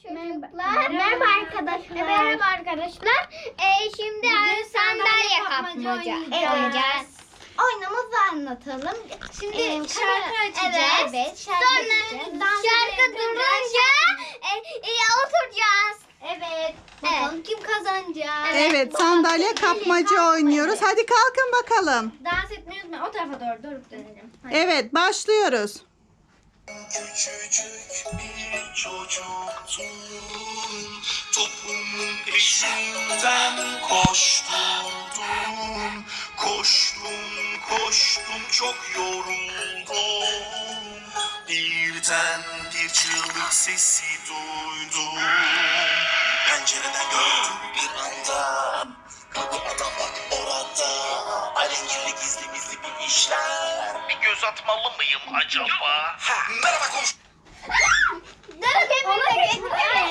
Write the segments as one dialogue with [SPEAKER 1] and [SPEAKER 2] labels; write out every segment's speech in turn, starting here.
[SPEAKER 1] çocuklar. Merhaba arkadaşlar. Merhaba arkadaşlar. Şimdi sandalye kapmaca oynayacağız. Oynamızı anlatalım. Şimdi şarkı açacağız. Evet. Sonra şarkı durunca oturacağız. Evet. Bakalım kim kazanacak.
[SPEAKER 2] Evet, sandalye kapmaca oynuyoruz. Hadi kalkın bakalım.
[SPEAKER 1] Dans etmeyi unutmayın. O tarafa doğru dönelim. Hadi.
[SPEAKER 2] Evet, başlıyoruz.
[SPEAKER 3] Küçücük bir çocuktum, toplumun peşinden koşturdum. Koştum çok yoruldum. Birden bir çığlık sesi duydum. Pencereden gördüm bir anda, kapı adam bak orada. Alengirli gizli bir işler. Bir göz atmalı mıyım acaba? Merhaba komşu.
[SPEAKER 1] Durun hepimiz.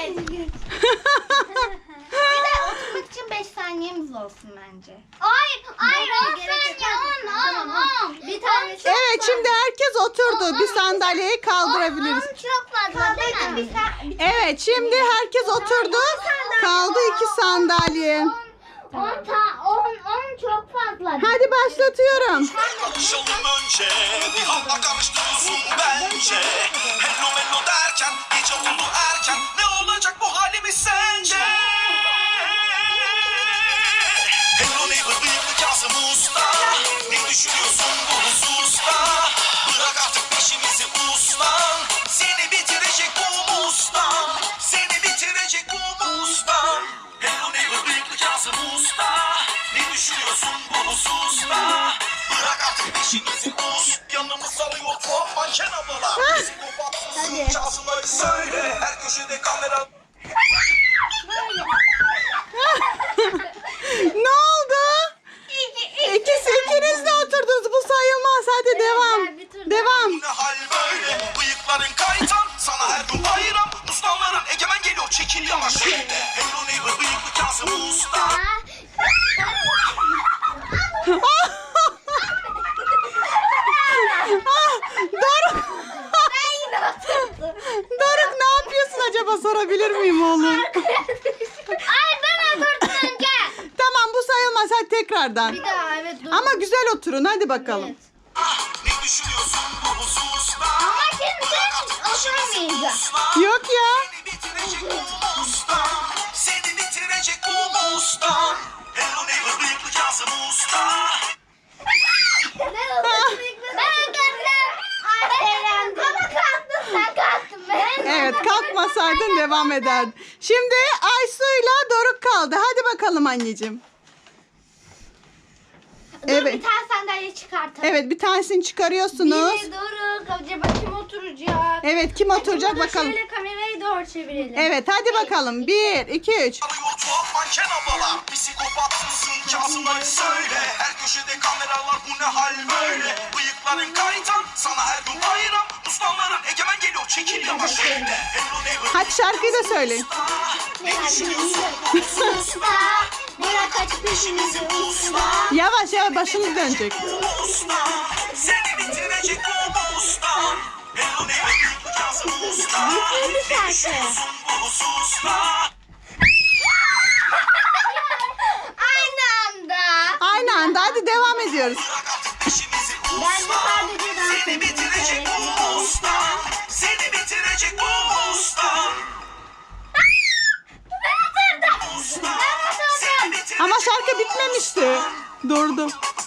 [SPEAKER 1] Bir de oturmak için 5 saniyemiz olsun bence. Hayır 10 saniye 10. Bir tane çok
[SPEAKER 2] Evet, şimdi herkes oturdu. Bir sandalyeyi kaldırabiliriz.
[SPEAKER 1] çok fazla değil mi?
[SPEAKER 2] Evet, şimdi herkes oturdu. Kaldı 2 sandalye.
[SPEAKER 1] 10 çok fazla.
[SPEAKER 2] Hadi başlatıyorum.
[SPEAKER 3] Konuşalım önce, bir hava karıştırıyorsun bence. Hello derken, gece oldu erken, ne olacak bu halimiz sence? Hello neighbor, bıyıklı Kazım Usta, ne düşünüyorsun bu hususta? Bırak artık peşimizi uslan, seni bitirecek bu mustan, seni bitirecek bu mustan. Hello neighbor, bıyıklı Kazım Usta, ne düşünüyorsun bu hususta? Bırak artık peşimizi us, yanımız alıyor tuhaf manken ablalar. Psikopatsın, Kazım'ları söyle, her köşede kamera.
[SPEAKER 2] Ne oldu? İkiniz de oturdunuz. Bu sayılmaz. Hadi devam. Devam.
[SPEAKER 3] Ne hal böyle, bıyıkların kaytan, sana her gün bayram. Uslanların egemen geliyor, çekil yavaş şöyle. Hello neighbor, bıyıklı Kazım Usta.
[SPEAKER 2] Doruk. Doruk, ne yapıyorsun acaba, sorabilir miyim oğlum?
[SPEAKER 1] Ay ben oturdum önce.
[SPEAKER 2] Tamam, bu sayılmaz. Hadi tekrardan.
[SPEAKER 1] Bir daha evet dur.
[SPEAKER 2] Ama güzel oturun. Hadi bakalım.
[SPEAKER 1] Evet.
[SPEAKER 3] Ne düşünüyorsun bu hususta?
[SPEAKER 1] Ama şimdi oturamayacağım.
[SPEAKER 2] Yok ya.
[SPEAKER 3] Seni bitirecek bu usta, seni bitirecek bu usta. Hello neighbor, bıyıklı Kazım Usta.
[SPEAKER 1] Ben kalktım. Ama kalktım sen kalktın.
[SPEAKER 2] Evet, kalkmasaydın devam ederdin. Şimdi Aysu'yla Doruk kaldı. Hadi bakalım anneciğim.
[SPEAKER 1] Dur
[SPEAKER 2] Evet.
[SPEAKER 1] bir tane sandalye çıkartalım.
[SPEAKER 2] Evet, bir tanesini çıkarıyorsunuz.
[SPEAKER 1] Biri Doruk. Acaba kim oturacak?
[SPEAKER 2] Evet, kim oturacak
[SPEAKER 1] Burada
[SPEAKER 2] bakalım.
[SPEAKER 1] şöyle kamerayı doğru çevirelim.
[SPEAKER 2] Evet, hadi bakalım. 1, 2, 3.
[SPEAKER 3] Arıyor tuhaf manken ablalar. Psikopatsın, Kazım'ları söyle. Her köşede kameralar, bu ne hal böyle? Bıyıkların kaytan, sana her gün bayram. Uslanların egemen geliyor, çekil yavaş şöyle. Hello neighbor,
[SPEAKER 2] Hadi şarkıyı da söyleyin.
[SPEAKER 3] ne düşünüyorsun?
[SPEAKER 1] Usta. Bırak aç peşimizi usta.
[SPEAKER 2] Yavaş yavaş, başınız dönecek.
[SPEAKER 3] Usta, seni bitirecek bu usta. Hello neighbor, bıyıklı Kazım Usta.
[SPEAKER 1] Bitmedi şarkı.
[SPEAKER 3] Ne düşünüyorsun bu hususta?
[SPEAKER 1] Aynı anda.
[SPEAKER 2] Aynı anda, hadi devam ediyoruz.
[SPEAKER 3] Bırak artık peşimizi
[SPEAKER 1] Ben de
[SPEAKER 3] usta.
[SPEAKER 1] sadece dans
[SPEAKER 3] Seni
[SPEAKER 1] edeceğim.
[SPEAKER 3] bitirecek bu usta. Seni bitirecek bu usta. Usta. Seni bitirecek
[SPEAKER 2] Ama şarkı bitmemişti. Durdu.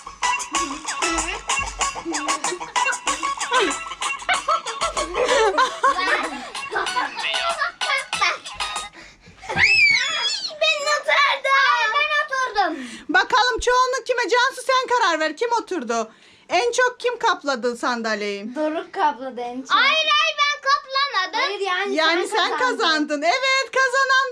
[SPEAKER 1] Ben oturdum.
[SPEAKER 2] Bakalım çoğunluk kime? Cansu, sen karar ver. Kim oturdu? En çok kim kapladı sandalyeyi?
[SPEAKER 4] Doruk kapladı en çok.
[SPEAKER 1] Hayır ben kaplamadım.
[SPEAKER 4] Hayır yani
[SPEAKER 2] Yani sen kazandın. Evet, kazanan